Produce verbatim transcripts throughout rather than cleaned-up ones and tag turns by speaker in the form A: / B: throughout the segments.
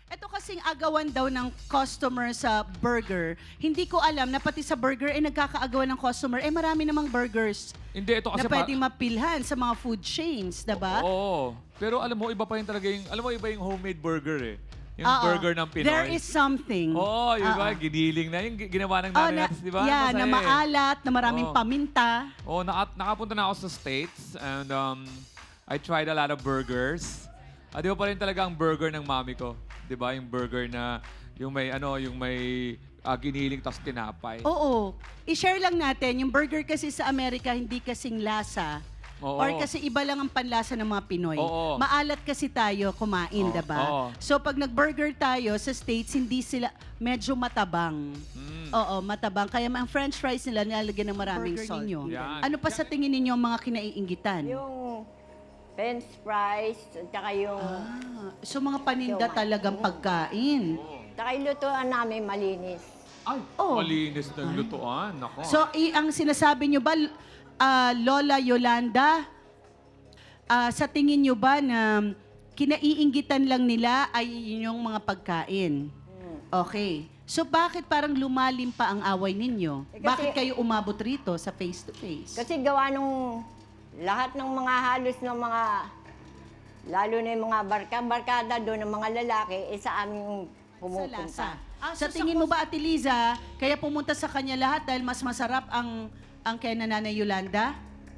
A: Ito kasing agawan daw ng customer sa burger. Hindi ko alam na pati sa burger eh nagkakaagawan ng customer. Eh marami namang burgers
B: Hindi, ito kasi
A: na pwedeng mapilhan sa mga food chains, diba?
B: Oo. Pero alam mo, iba pa rin talaga yung, alam mo, iba yung homemade burger eh. Yung
A: Oo.
B: burger ng Pinoy.
A: There is something.
B: Oo, yun ba?
A: Oo.
B: Giniling na. Yung gi- ginawa ng
A: Oh,
B: nanay
A: na,
B: natin, di ba?
A: yeah,
B: Masaya
A: na
B: eh.
A: maalat, na maraming
B: Oo.
A: paminta.
B: Oo, naka, nakapunta na ako sa States and um, I tried a lot of burgers. Ah, di ba pa rin talaga ang burger ng mami ko? Di ba? Yung burger na, yung may, ano, yung may ah, giniling tas tinapay.
A: Oo. I-share lang natin, yung burger kasi sa Amerika hindi kasing lasa.
B: Oo.
A: Or kasi iba lang ang panlasa ng mga Pinoy.
B: Oo.
A: Maalat kasi tayo kumain,
B: Oo.
A: diba?
B: Oo.
A: So pag nag-burger tayo sa States, hindi sila medyo matabang.
B: Mm.
A: Oo, matabang. Kaya ang french fries nila nilalagyan ng maraming
C: Burger
A: salt.
C: ninyo.
B: Yan.
A: Ano pa sa tingin ninyo ang mga kinaiingitan?
C: Yung french fries, at saka yung,
A: Ah, so mga paninda
C: Yung-
A: talagang pagkain.
C: saka yung lutuan namin malinis.
B: Ay,
A: Oh.
B: malinis ng lutuan. Nako.
A: So, i- ang sinasabi nyo ba, ah, Lola Yolanda, ah, sa tingin nyo ba na kinaiinggitan lang nila ay yung mga pagkain? Okay. So, bakit parang lumalim pa ang away ninyo?
C: Eh, kasi-
A: Bakit kayo umabot rito sa face-to-face?
C: Kasi gawa nung lahat ng mga halos ng mga, lalo na yung mga barka, barkada doon ng mga lalaki, eh sa aming
A: Sa
C: pumupunta.
A: lasa. Sa tingin mo ba, Ate Liza, kaya pumunta sa kanya lahat dahil mas masarap ang ang kay Nanay Yolanda?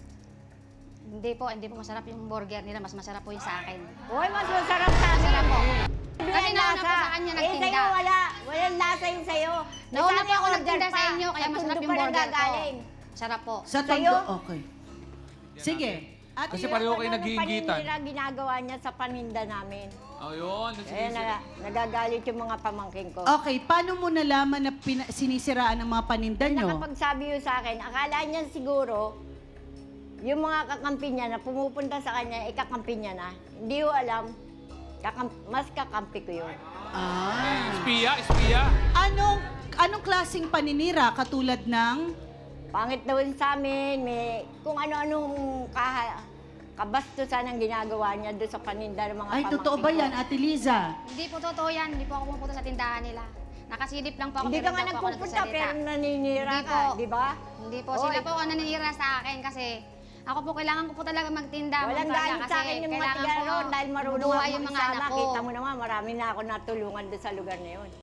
D: Hindi po, hindi po masarap yung burger nila. Mas masarap po yung sa akin.
C: Uy, mas masarap sa amin.
D: Masarap po.
C: Hindi
D: Kasi
C: yan
D: nauna
C: lasa.
D: po sa kanya
C: Eh,
D: nagtinda.
C: sa'yo wala. Walang lasa yung sa'yo.
D: Nauna
C: Sa
D: po ako
C: amin,
D: nagtinda
C: order
D: sa
C: pa.
D: inyo, kaya
C: Sa
D: masarap
C: tundo
D: yung
C: pa
D: burger ko.
C: nanggagaling.
D: Sarap po.
A: Sa
C: Sa'yo?
A: tondo? Okay. Sige. Ate
B: Kasi
A: Yolanda,
B: pareho kayo
C: Ano,
B: nag-iingitan.
C: paninira ginagawa niya sa paninda namin.
B: Ayun.
C: Eh, na, nagagalit yung mga pamangkin ko.
A: Okay, paano mo nalaman na pina- sinisiraan ng mga paninda
C: Eh,
A: nyo?
C: nakapagsabi yun sa akin, akala niya siguro, yung mga kakampi niya na pumupunta sa kanya, ikakampi niya na. Hindi ko alam, kakam- mas kakampi ko yun.
A: Ah.
B: Espiya, espiya.
A: Anong anong klaseng paninira katulad ng
C: Pangit daw yun sa amin, may kung ano-anong kaha, kabastusan ang ginagawa niya doon sa paninda ng mga
A: Ay,
C: pamangkin
A: totoo ba
C: ko.
A: yan, Ate Liza?
D: Hindi po totoo yan. Hindi po ako pumupunta sa tindahan nila. Nakasilip lang po ako.
C: Hindi
D: pero
C: ka nga
D: po ako
C: nagpupunta,
D: nagsasalita.
C: pero naninira
D: Hindi
C: ka,
D: po.
C: di ba?
D: Hindi po.
C: Oy.
D: Sila po ang naninira sa akin kasi ako po kailangan ko po talaga magtinda.
C: Walang
D: magpala,
C: galit
D: kasi
C: sa akin yung mga
D: kailangan
C: tiga
D: ko
C: roon dahil marunong
D: mabuhay
C: ako
D: yung mga
C: magsama.
D: anak ko.
C: Kita mo naman, marami na ako natulungan doon sa lugar na yun.